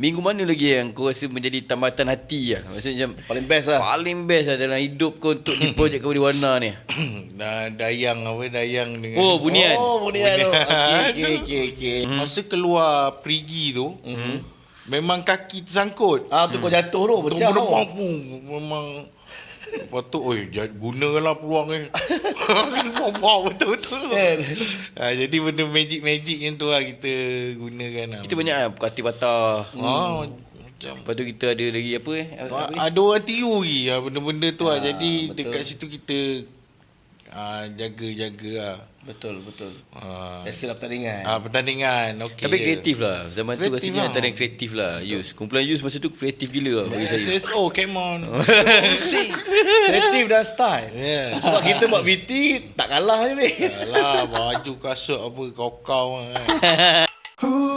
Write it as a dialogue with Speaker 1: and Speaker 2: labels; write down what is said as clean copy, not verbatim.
Speaker 1: Minggu mana lagi yang kau rasa menjadi tambatan hati lah? Maksudnya macam
Speaker 2: Paling best lah.
Speaker 1: paling best lah dalam hidup kau untuk di projek kau di Warna ni.
Speaker 3: Dayang dengan
Speaker 1: Oh, Bunian.
Speaker 2: Oh, Bunian tu. Okey.
Speaker 3: Masa keluar perigi tu, memang kaki tersangkut.
Speaker 2: Tu kau jatuh tu, pecah tu.
Speaker 3: Memang lepas tu, gunakanlah peluang ni. Wow, betul-betul. Jadi benda magic yang tu lah kita gunakan lah.
Speaker 1: Kita banyak lah hati patah.
Speaker 3: Macam
Speaker 1: Lepas tu kita ada lagi apa
Speaker 3: ada orang tiru lagi benda-benda tu lah. Jadi
Speaker 2: betul.
Speaker 3: dekat situ kita jaga-jaga lah.
Speaker 2: Betul. Biasalah pertandingan.
Speaker 3: Pertandingan okey.
Speaker 1: Tapi kreatif lah. Zaman tu
Speaker 3: Kreatif
Speaker 1: rasanya
Speaker 3: lah.
Speaker 1: antara yang kreatif lah. Yus. Kumpulan Yus masa tu kreatif gila lah bagi saya.
Speaker 3: SSO, come on.
Speaker 2: Kreatif dan style.
Speaker 3: Yeah.
Speaker 2: Sebab kita buat BT tak kalah je ni.
Speaker 3: Alah, baju kasut apa kau-kau kan.